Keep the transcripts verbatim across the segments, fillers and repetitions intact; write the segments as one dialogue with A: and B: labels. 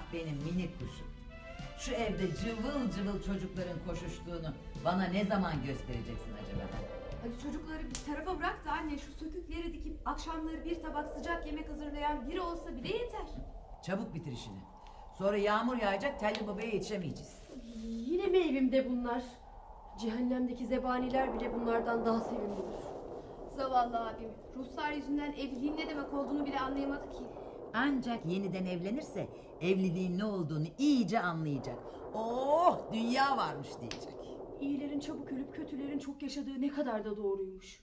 A: benim minik kuşum. Şu evde cıvıl cıvıl çocukların koşuştuğunu bana ne zaman göstereceksin acaba?
B: Hadi çocukları bir tarafa bırak da anne, şu sökükleri dikip akşamları bir tabak sıcak yemek hazırlayan biri olsa bile yeter.
A: Çabuk bitir işini. Sonra yağmur yağacak, telli babaya yetişemeyeceğiz.
B: Yine mi evimde bunlar? Cehennemdeki zebaniler bile bunlardan daha sevimlidir. Zavallı abim, Ruslar yüzünden evliliğin ne demek olduğunu bile anlayamadı ki.
A: Ancak yeniden evlenirse evliliğin ne olduğunu iyice anlayacak. Oh, dünya varmış diyecek.
B: İyilerin çabuk ölüp kötülerin çok yaşadığı ne kadar da doğruymuş.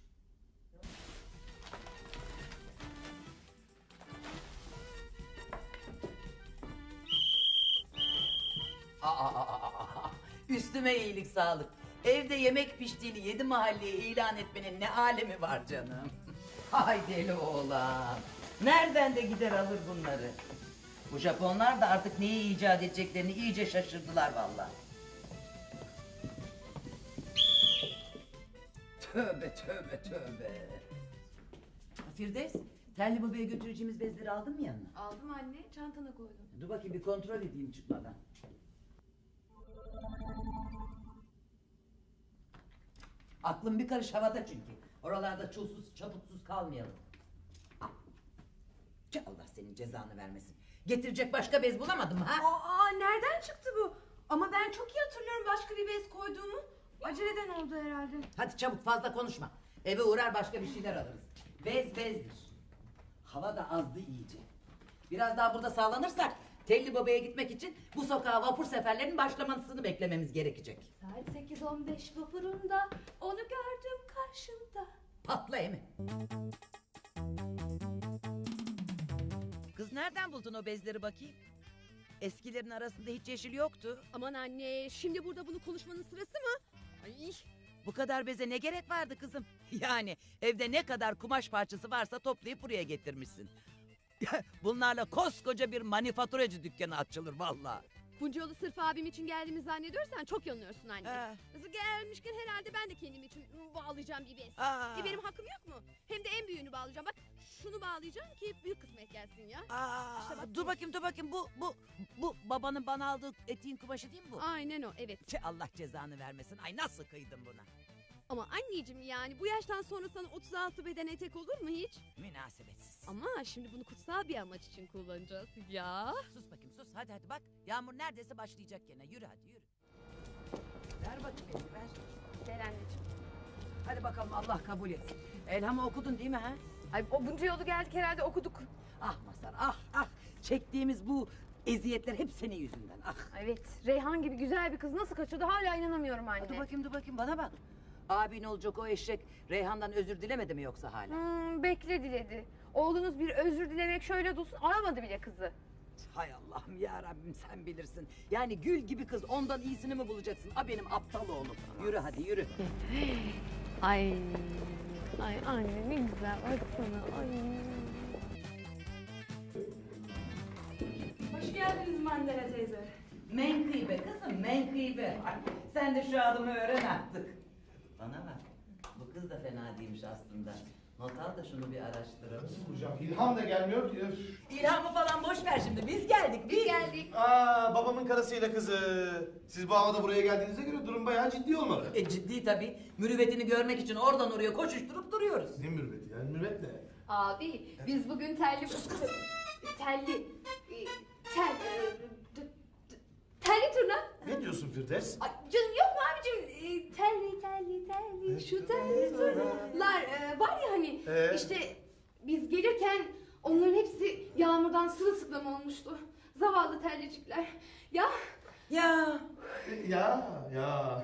A: Aa, aa, aa, aa. Üstüme iyilik sağlık. Evde yemek piştiğini yedi mahalleye ilan etmenin ne alemi var canım. Hay deli oğlan. Nereden de gider alır bunları. Bu Japonlar da artık neyi icat edeceklerini iyice şaşırdılar vallahi. Tövbe tövbe tövbe. Firdevs, telli babaya götüreceğimiz bezleri aldın mı yanına?
B: Aldım anne, çantana koydum.
A: Dur bakayım bir kontrol edeyim çıkmadan. Aklım bir karış havada çünkü. Oralarda çulsuz çaputsuz kalmayalım. Ah. Tüh, Allah senin cezanı vermesin. Getirecek başka bez bulamadım ha?
B: Aa, nereden çıktı bu? Ama ben çok iyi hatırlıyorum başka bir bez koyduğumu. Aceleden oldu herhalde.
A: Hadi çabuk, fazla konuşma. Eve uğrar başka bir şeyler alırız. Bez bezdir. Hava da azdı iyice. Biraz daha burada sağlanırsak Telli Baba'ya gitmek için bu sokağa vapur seferlerinin başlamasını beklememiz gerekecek.
B: Saat sekiz on beş vapurunda onu gördüm karşımda.
A: Patla Emi. Kız nereden buldun o bezleri bakayım? Eskilerin arasında hiç yeşil yoktu.
B: Aman anne, şimdi burada bunu konuşmanın sırası mı? Ay.
A: Bu kadar beze ne gerek vardı kızım? Yani evde ne kadar kumaş parçası varsa toplayıp buraya getirmişsin. Bunlarla koskoca bir manifaturacı dükkanı açılır vallahi.
B: Bunca yolu sırf abim için geldiğimi zannediyorsan çok yanılıyorsun anne.
A: Ha.
B: Nasıl gelmişken herhalde ben de kendim için bağlayacağım bir bez.
A: Aa.
B: E benim hakkım yok mu? Hem de en büyüğünü bağlayacağım. Bak şunu bağlayacağım ki büyük kısmet gelsin ya.
A: Aa,
B: İşte bak
A: dur
B: bu.
A: bakayım dur bakayım bu bu bu babanın bana aldığı etiğin kumaşı değil mi bu?
B: Aynen o, evet.
A: Tüh, Allah cezanı vermesin. Ay nasıl kıydın buna?
B: Ama anneciğim, yani bu yaştan sonra sana otuz altı beden etek olur mu hiç?
A: Münasebetsiz.
B: Ama şimdi bunu kutsal bir amaç için kullanacağız ya.
A: Sus bakayım sus, hadi hadi bak. Yağmur neredeyse başlayacak gene. Yürü hadi yürü. Ver bakayım elini ver.
B: Gel anneciğim.
A: Hadi bakalım, Allah kabul etsin. Elhamı okudun değil mi ha?
B: Ay o bunca yolu geldik herhalde okuduk.
A: Ah Mazhar ah ah. Çektiğimiz bu eziyetler hep senin yüzünden ah.
B: Evet, Reyhan gibi güzel bir kız nasıl kaçırdı hala inanamıyorum anne.
A: Dur bakayım dur bakayım bana bak. Abin olacak o eşek Reyhan'dan özür dilemedi mi yoksa hala?
B: Hmm, bekle diledi. Oğlunuz bir özür dilemek şöyle dursun, aramadı bile kızı.
A: Hay Allah'ım ya Rabbim, sen bilirsin. Yani gül gibi kız, ondan iyisini mi bulacaksın? A benim aptal oğlum. Yürü hadi yürü.
B: Ay, ay anne ne güzel baksana. Ay.
C: Hoş geldiniz Mandela teyze.
A: Menkıbe kızım menkıbe. Ay, sen de şu adımı öğren artık. Bana bak, bu kız da fena değilmiş aslında. Not al da şunu bir araştıralım.
D: Nasıl bulacağım? İlham da gelmiyor ki. Öf.
A: İlhamı falan boş ver şimdi, biz geldik biz.
B: Biz geldik.
D: Aa, babamın karısıyla kızı. Siz bu havada buraya geldiğinize göre durum bayağı ciddi olmalı.
A: E ciddi tabii. Mürüvvetini görmek için oradan oraya koşuşturup duruyoruz.
D: Ne mürüvveti yani? Mürüvvet ne?
B: Abi biz bugün telli... Telli... e, Tel... e, d- d- Telli turna.
D: Ne diyorsun Firdevs?
B: Ay canım yok mu abicim? E, telli telli telli şu telli turnalar e, var ya hani
D: Ee?
B: işte biz gelirken onların hepsi yağmurdan sırılsıklam olmuştu. Zavallı tellicikler. Ya
A: Ya
D: Ya, ya.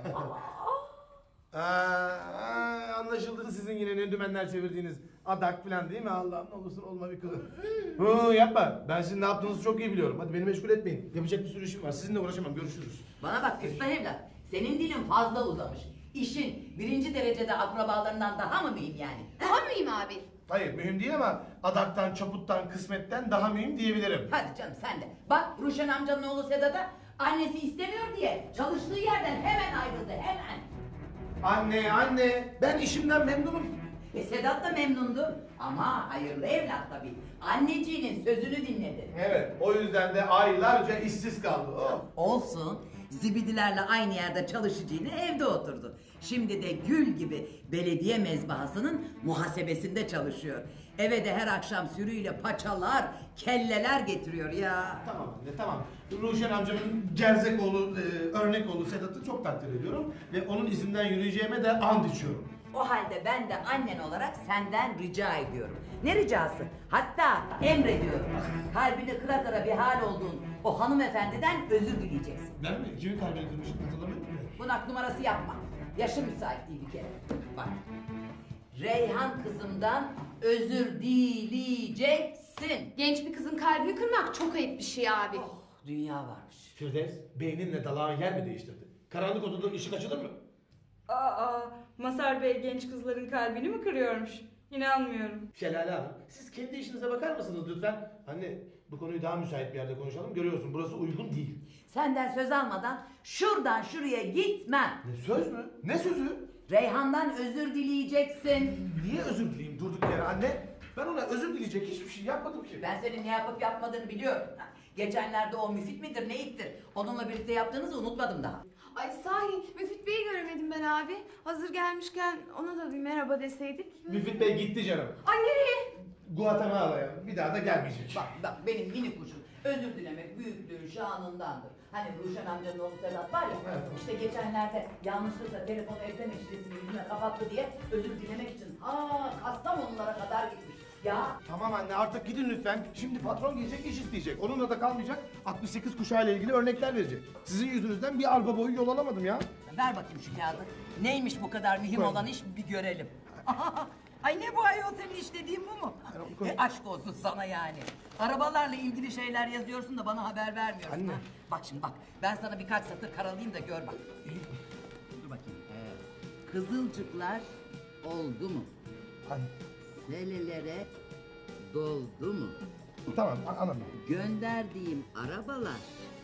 D: Aa, anlaşıldı sizin yine ne dümenler çevirdiğiniz adak falan değil mi? Allah'ım ne olursun olma bir kızım. Hı, yapma. Ben sizin ne yaptığınızı çok iyi biliyorum. Hadi beni meşgul etmeyin. Yapacak bir sürü işim var. Sizinle uğraşamam. Görüşürüz.
A: bana bak Küstah evlat. Senin dilin fazla uzamış. İşin birinci derecede akrabalarından daha mı mühim yani?
B: daha mühim abi.
D: Hayır mühim değil ama adaktan, çaputtan, kısmetten daha mühim diyebilirim.
A: Hadi canım sen de. Bak Ruşen amcanın oğlu Sedat'a annesi istemiyor diye çalıştığı yerden hemen ayrıldı hemen.
D: Anne, anne. Ben işimden memnunum.
A: E Sedat da memnundu. Ama hayırlı evlat tabii. Anneciğinin sözünü dinledi.
D: Evet, o yüzden de aylarca işsiz kaldı. Oh.
A: Olsun. Zibidilerle aynı yerde çalışacağını evde oturdu. Şimdi de gül gibi belediye mezbahasının muhasebesinde çalışıyor. Eve de her akşam sürüyle paçalar, kelleler getiriyor ya.
D: Tamam anne, tamam. Ruşen amcamın gerzek oğlu, e, örnek oğlu Sedat'ı çok takdir ediyorum. Ve onun izinden yürüyeceğime de and içiyorum.
A: O halde ben de annen olarak senden rica ediyorum. Ne ricası? Hatta emrediyorum. Kalbini kıra kıra bir hal olduğun o hanımefendiden özür dileyeceksin.
D: Ben mi? Kimin kalbini kırmışım hatırlamıyor musun?
A: Bunak numarası yapma. Yaşım müsait değil bir kere. Bak. Reyhan kızımdan özür dileyeceksin.
B: Genç bir kızın kalbini kırmak çok ayıp bir şey abi.
A: Oh, dünya varmış.
D: Firdevs, beyninle dalağın yer mi değiştirdi? Karanlık odada ışık açılır mı?
C: Aa, Mazhar Bey genç kızların kalbini mi kırıyormuş? İnanmıyorum.
D: Şelale Hanım, siz kendi işinize bakar mısınız lütfen? Anne, bu konuyu daha müsait bir yerde konuşalım. Görüyorsun, burası uygun değil.
A: Senden söz almadan şuradan şuraya gitmem.
D: Ne söz mü? Ne sözü?
A: Reyhan'dan özür dileyeceksin.
D: Niye özür dileyim durduk yere anne? Ben ona özür dileyecek hiçbir şey yapmadım ki.
A: Ben senin ne yapıp yapmadığını biliyorum. Geçenlerde o Müfit midir neyittir? Onunla birlikte yaptığınızı unutmadım daha.
B: Ay sahi Müfit Bey'i göremedim ben abi. Hazır gelmişken ona da bir merhaba deseydik.
D: Müfit Bey gitti canım.
B: Ay nereye?
D: Guatemala'ya. Bir daha da gelmeyecek.
A: Bak bak benim mini kuşum. Özür dilemek büyüklüğün şanındandır. Hani Ruşen amcanın oğlu Sedat var ya,
D: Evet.
A: işte geçenlerde yanlışlıkla telefonu evde meşresini yüzüne kapattı diye özür dilemek için aa Kastamonulara kadar gitmiş. Ya
D: Tamam anne artık gidin lütfen. Şimdi patron gelecek iş isteyecek. Onunla da kalmayacak. altmış sekiz kuşağıyla ilgili örnekler verecek. Sizin yüzünüzden bir arpa boyu yol alamadım ya.
A: ver bakayım şu kağıdı. Neymiş bu kadar mühim
D: Koy.
A: olan iş bir görelim. Ay ne bu ayol senin istediğin bu mu?
D: Koy.
A: E, aşk olsun sana yani. Arabalarla ilgili şeyler yazıyorsun da bana haber vermiyorsun.
D: Anne.
A: ha. Bak şimdi bak ben sana birkaç satır karalayayım da gör bak. Dur bakayım. Ee, kızılcıklar oldu mu?
D: Anne.
A: Selelere doldu mu?
D: Tamam a- anladım.
A: Gönderdiğim arabalar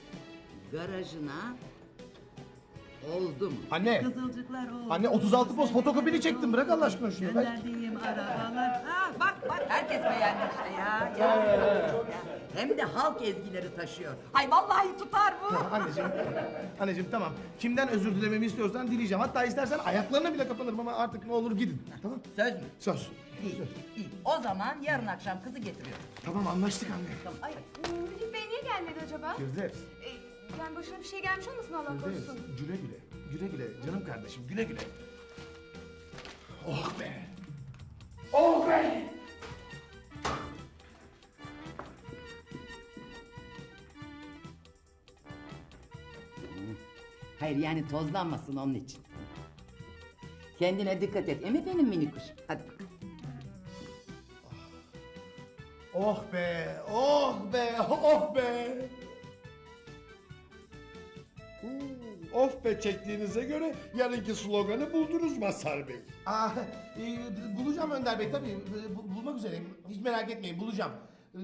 A: garajına oldu mu?
D: Anne.
A: Kızılcıklar oldu.
D: Anne otuz altı poz fotokopini çektim. Bırak Allah aşkına şunu. Ver.
A: Gönderdiğim arabalar. Ha, bak bak herkes beğendi işte ya. ya. Ya. Hem de halk ezgileri taşıyor. Ay vallahi tutar bu.
D: Anneciğim, anneciğim tamam. Kimden özür dilememi istiyorsan dileyeceğim. Hatta istersen ayaklarına bile kapanırım ama artık ne olur gidin. Tamam.
A: Söz mü?
D: Söz.
A: İyi, iyi. O zaman yarın akşam kızı getiriyorum.
D: Tamam anlaştık anne.
A: Tamam, ay.
B: Müfit Bey niye gelmedi acaba?
D: Firdevs.
B: Ee, yani başına bir şey gelmiş olmasın Allah
D: Firdevs.
B: korusun.
D: Güle güle. Güle güle. Canım kardeşim güle güle. Oh be. Oh be.
A: Hayır yani tozlanmasın onun için. Kendine dikkat et. Emi benim mini kuşum. Hadi bakalım.
D: Oh be. Oh be. Oh be.
E: Of be çektiğinize göre yarınki sloganı buldunuz Mazhar Bey.
D: Aa, e, bulacağım Önder Bey tabii. E, bu- bulmak üzereyim. Hiç merak etmeyin bulacağım. E,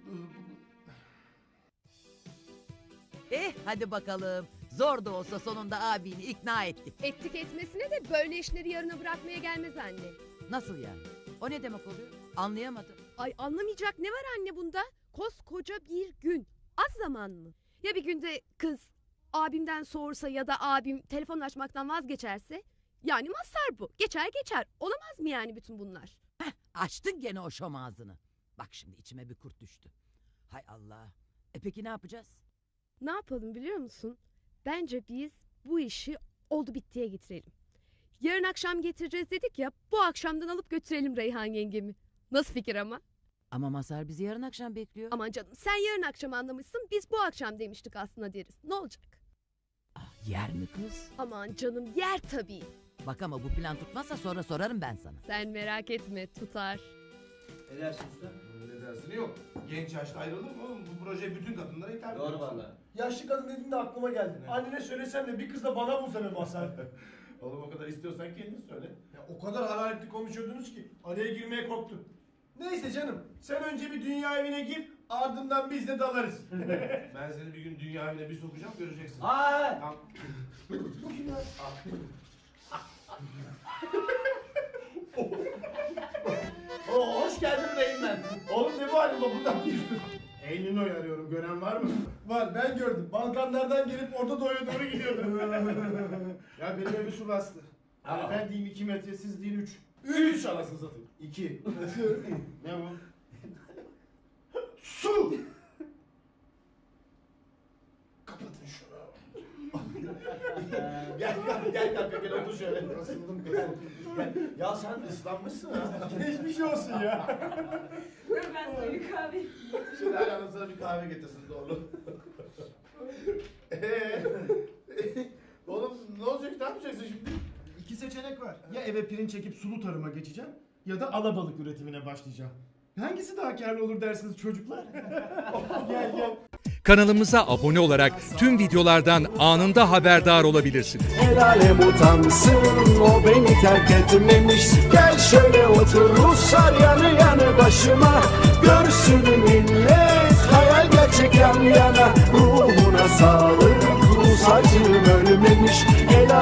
D: e,
A: Eh hadi bakalım. Zor da olsa sonunda abini ikna ettik.
B: Ettik etmesine de böyle işleri yarına bırakmaya gelmez anne.
A: Nasıl yani? O ne demek oluyor? Anlayamadım.
B: Ay anlamayacak ne var anne bunda? Koskoca bir gün. Az zaman mı? Ya bir günde kız abimden soğursa ya da abim telefon açmaktan vazgeçerse? Yani Mazhar bu. Geçer geçer. Olamaz mı yani bütün bunlar?
A: Açtın gene o şom ağzını. Bak şimdi içime bir kurt düştü. Hay Allah. E peki ne yapacağız?
B: Ne yapalım biliyor musun? Bence biz bu işi oldu bittiye getirelim. Yarın akşam getireceğiz dedik ya, bu akşamdan alıp götürelim Reyhan yengemi. Nasıl fikir ama?
A: Ama Mazhar bizi yarın akşam bekliyor.
B: Aman canım sen yarın akşam anlamışsın, biz bu akşam demiştik aslında deriz. Ne olacak?
A: Ah, yer mi kız?
B: Aman canım yer tabii.
A: Bak ama bu plan tutmazsa sonra sorarım ben sana.
B: Sen merak etme tutar.
F: Ne dersin usta?
D: Ne dersini yok. Genç yaşta ayrılır mı oğlum? Bu proje bütün kadınlara hitap ediyor.
F: Doğru valla.
E: Yaşlı kadın dediğin de aklıma geldi. Annene söylesem de bir kız da bana bulsa be Mazhar.
D: Oğlum o kadar istiyorsan kendin söyle.
E: Ya o kadar hararetli konuşuyordunuz ki araya girmeye korktum. Neyse canım sen önce bir dünya evine gir ardından biz de dalarız.
D: Ben seni bir gün dünya evine bir sokacağım göreceksin.
F: Aa!
D: Tamam. Oo, hoş geldin Reynmen. Oğlum ne bu halin buradan düştün? Eylül'ü arıyorum. Gören var mı?
E: Var, ben gördüm. Balkanlardan gelip Orta Doğu'ya doğru gidiyordu.
D: Ya benim evi su bastı. Yani
E: Aa.
D: ben diyeyim iki metre, siz deyin üç.
E: Üç anasını satayım.
D: İki. Ne bu? Su! Kapatın şunu. gel gel gel kanka gel otur şöyle. Kasıldım kasıldım. Gel. Ya sen ıslanmışsın ha.
E: Geçmiş olsun ya.
C: Dur ben sana bir kahve.
D: Şimdi her hanım sana bir kahve getirsin doğru. Eee? Oğlum ne olacak, ne yapacaksın şimdi?
E: İki seçenek var. Ya eve pirinç çekip sulu tarıma geçeceğim ya da alabalık üretimine başlayacağım. Hangisi daha karlı olur dersiniz çocuklar? gel gel.
G: Kanalımıza abone olarak tüm videolardan anında haberdar olabilirsiniz.
H: El alem utansın, o beni terk etmemiş. Gel şöyle otur Ruslar yanı yanı başıma. Görsün millet hayal gerçek yan yana. Ruhuna sağlık, Rus acım ölmemiş. El